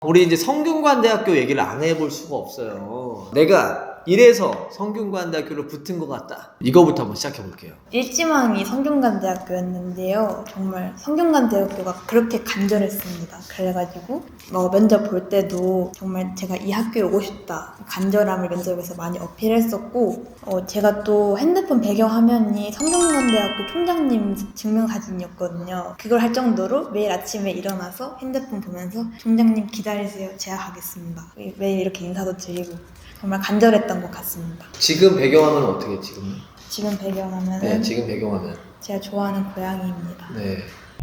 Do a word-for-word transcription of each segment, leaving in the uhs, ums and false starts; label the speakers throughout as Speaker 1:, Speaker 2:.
Speaker 1: 우리 이제 성균관대학교 얘기를 안 해볼 수가 없어요. 내가 이래서 성균관대학교로 붙은 것 같다. 이거부터 한번 시작해 볼게요.
Speaker 2: 일지망이 성균관대학교였는데요. 정말 성균관대학교가 그렇게 간절했습니다. 그래가지고 뭐 면접 볼 때도 정말 제가 이 학교에 오고 싶다 간절함을 면접에서 많이 어필했었고 어, 제가 또 핸드폰 배경화면이 성균관대학교 총장님 증명사진이었거든요. 그걸 할 정도로 매일 아침에 일어나서 핸드폰 보면서 총장님 기다리세요. 제가 가겠습니다. 매일 이렇게 인사도 드리고 정말 간절했던 것 같습니다.
Speaker 1: 지금 배경화면은 어떻게 지금?
Speaker 2: 지금 배경화면은
Speaker 1: 네, 지금 배경화면.
Speaker 2: 제가 좋아하는 고양이입니다.
Speaker 1: 네.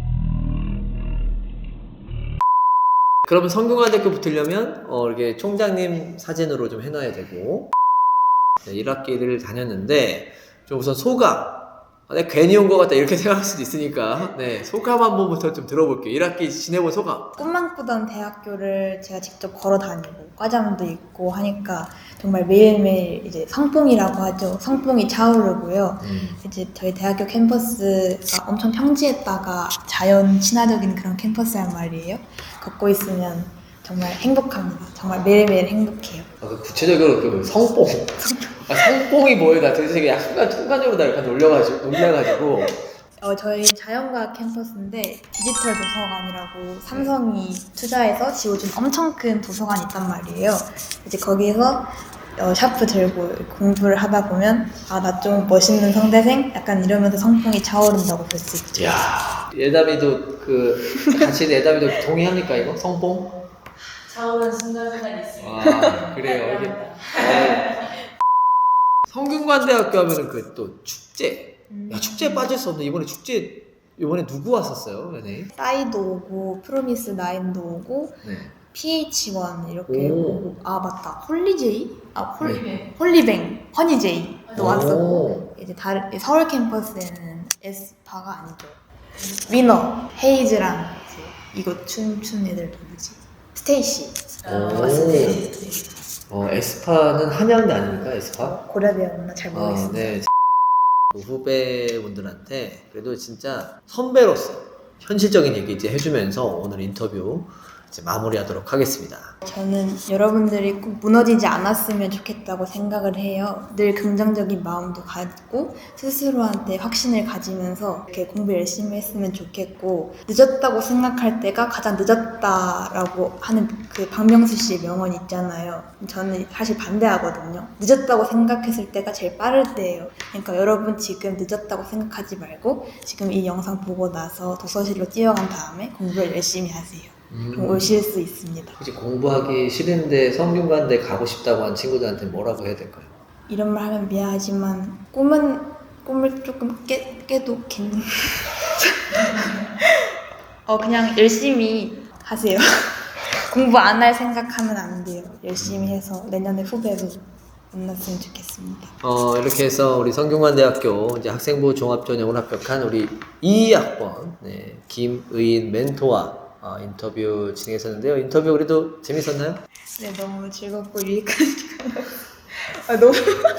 Speaker 1: 그러면 성균관대학교 붙으려면 어, 이렇게 총장님 사진으로 좀 해놔야 되고 네, 일 학기를 다녔는데 좀 우선 소감. 아, 내가 괜히 온 것 같다 이렇게 생각할 수도 있으니까 네 소감 한 번부터 좀 들어볼게요. 일 학기 지내본 소감.
Speaker 2: 꿈만 꾸던 대학교를 제가 직접 걸어 다니고 과잠도 있고 하니까 정말 매일매일 이제 성뽕이라고 하죠. 성뽕이 차오르고요.
Speaker 1: 음.
Speaker 2: 이제 저희 대학교 캠퍼스가 엄청 평지에다가 자연 친화적인 그런 캠퍼스란 말이에요. 걷고 있으면 정말 행복합니다. 정말 매일매일 행복해요.
Speaker 1: 아, 그 구체적으로 그 성뽕. 아, 성뽕이 뭐예요? 나 되게 약간 순간 순간적으로 나 약간 놀려가지고 놀려가지고.
Speaker 2: 어, 저희 자연과학 캠퍼스인데 디지털 도서관이라고 삼성이 투자해서 지어준 엄청 큰 도서관이 있단 말이에요. 이제 거기서 어, 샤프 들고 공부를 하다 보면 아, 나 좀 멋있는 성대생? 약간 이러면서 성풍이 차오른다고 볼 수 있죠.
Speaker 1: 야, 예담이도 그 같이 예담이도 동의합니까 이거 성뽕?
Speaker 3: 차오른 순간순간 있습니다.
Speaker 1: 아 그래요. 이게 어, 성균관대학교 하면은 그 또 축제.
Speaker 2: 음.
Speaker 1: 야 축제에 빠질 수 없는 이번에 축제 이번에 누구 왔었어요, 연예인?
Speaker 2: 싸이도 오고 프로미스 나인도 오고
Speaker 1: 네.
Speaker 2: 피에이치 원 이렇게
Speaker 1: 오.
Speaker 2: 오고 아 맞다 홀리제이? 아 홀,
Speaker 3: 홀리뱅.
Speaker 2: 홀리뱅 허니제이도
Speaker 1: 오.
Speaker 2: 왔었고 이제 다른 서울 캠퍼스에는 에스파가 아니죠 위너 헤이즈랑 이제 이거 춤추는 애들 누구지? 스테이시
Speaker 1: 오.
Speaker 2: 왔었어요.
Speaker 1: 어 에스파는 한양대 아닙니까 에스파?
Speaker 2: 고려대였나 잘
Speaker 1: 아
Speaker 2: 모르겠어요.
Speaker 1: 네. 후배분들한테 그래도 진짜 선배로서 현실적인 얘기 이제 해주면서 오늘 인터뷰 이제 마무리하도록 하겠습니다.
Speaker 2: 저는 여러분들이 꼭 무너지지 않았으면 좋겠다고 생각을 해요. 늘 긍정적인 마음도 갖고 스스로한테 확신을 가지면서 이렇게 공부 열심히 했으면 좋겠고 늦었다고 생각할 때가 가장 늦었다라고 하는 그 박명수 씨의 명언 있잖아요. 저는 사실 반대하거든요. 늦었다고 생각했을 때가 제일 빠를 때예요. 그러니까 여러분 지금 늦었다고 생각하지 말고 지금 이 영상 보고 나서 도서실로 뛰어간 다음에 공부를 열심히 하세요. 그럼 오실 수 있습니다.
Speaker 1: 혹시 공부하기 싫은데 성균관대 가고 싶다고 한 친구들한테 뭐라고 해야 될까요?
Speaker 2: 이런 말 하면 미안하지만 꿈은 꿈을 조금 깨, 깨도 괜찮... 어 그냥 열심히 하세요. 공부 안 할 생각하면 안 돼요. 열심히 해서 내년에 후배로 만났으면 좋겠습니다.
Speaker 1: 어 이렇게 해서 우리 성균관대학교 이제 학생부 종합전형을 합격한 우리 이 학번 네, 김의인 멘토와 어, 인터뷰 진행했었는데요. 인터뷰 그래도 재밌었나요?
Speaker 2: 네 너무 즐겁고 유익한 시간. 아 너무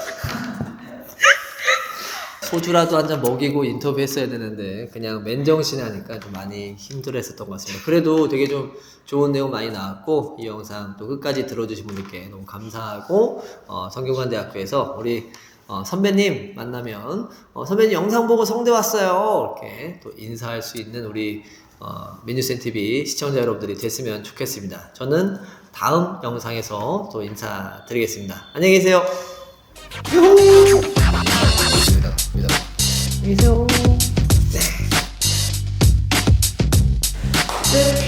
Speaker 1: 소주라도 한 잔 먹이고 인터뷰했어야 되는데 그냥 맨정신에 하니까 좀 많이 힘들었었던 것 같습니다. 그래도 되게 좀 좋은 내용 많이 나왔고 이 영상 또 끝까지 들어주신 분들께 너무 감사하고 어, 성균관대학교에서 우리 어, 선배님 만나면 어, 선배님 영상 보고 성대 왔어요 이렇게 또 인사할 수 있는 우리 어, 민유센티비 시청자 여러분들이 됐으면 좋겠습니다. 저는 다음 영상에서 또 인사드리겠습니다. 안녕히 계세요. 안녕히 계세요. 네.